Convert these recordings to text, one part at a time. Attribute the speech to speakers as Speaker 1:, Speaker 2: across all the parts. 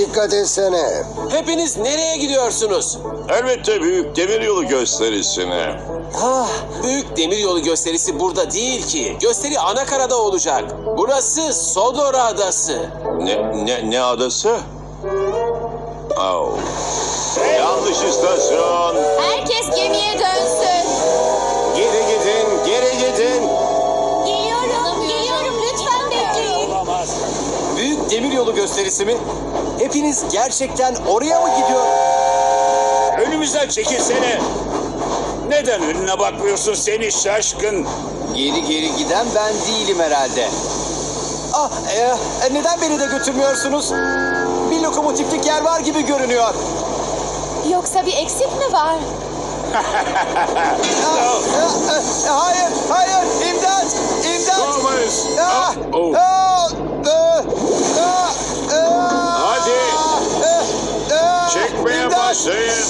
Speaker 1: dikkat etsene.
Speaker 2: Hepiniz nereye gidiyorsunuz?
Speaker 3: Elbette büyük demiryolu gösterisine.
Speaker 2: Büyük demiryolu gösterisi burada değil ki. Gösteri Anakara'da olacak. Burası Sodor Adası.
Speaker 3: Ne adası? Oh. Yanlış istasyon.
Speaker 4: Herkes gemiye dönsün.
Speaker 1: Geri gidin, geri gidin.
Speaker 4: Geliyorum lütfen bekleyin.
Speaker 5: Büyük demiryolu gösterisi mi? Hepiniz gerçekten oraya mı gidiyor?
Speaker 6: Önümüzden çekilsene. Neden önüne bakmıyorsun seni şaşkın?
Speaker 5: Geri geri giden ben değilim herhalde. Neden beni de götürmüyorsunuz? Bir lokomotiflik yer var gibi görünüyor.
Speaker 4: Yoksa bir eksik mi var?
Speaker 5: Hayır, hayır, imdat, imdat.
Speaker 3: Thomas.
Speaker 5: Ah!
Speaker 3: Oh. Hadi. Çekmeye
Speaker 5: İmdat!
Speaker 3: başlayın.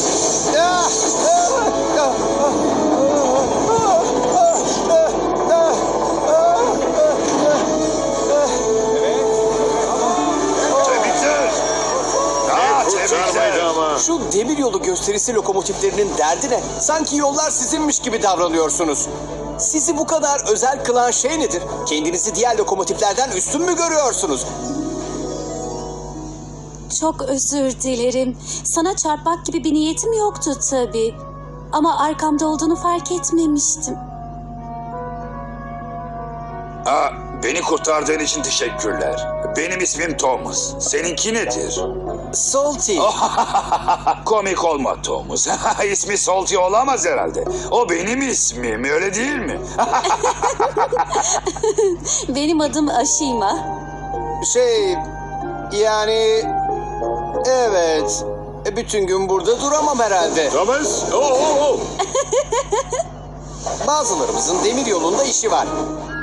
Speaker 6: Tebrikler.
Speaker 3: Kurtarmaydı ama.
Speaker 5: Şu demiryolu gösterisi lokomotiflerinin derdi ne? Sanki yollar sizinmiş gibi davranıyorsunuz. Sizi bu kadar özel kılan şey nedir? Kendinizi diğer lokomotiflerden üstün mü görüyorsunuz?
Speaker 7: Çok özür dilerim. Sana çarpmak gibi bir niyetim yoktu tabii. Ama arkamda olduğunu fark etmemiştim.
Speaker 6: Beni kurtardığın için teşekkürler. Benim ismim Thomas. Seninki nedir?
Speaker 5: Salty.
Speaker 6: Komik olma Thomas. İsmi Salty olamaz herhalde. O benim ismim, öyle değil mi?
Speaker 7: Benim adım Ashima.
Speaker 5: Yani... Evet. Bütün gün burada duramam herhalde.
Speaker 3: Thomas. Oh.
Speaker 5: Bazılarımızın demir yolunda işi var.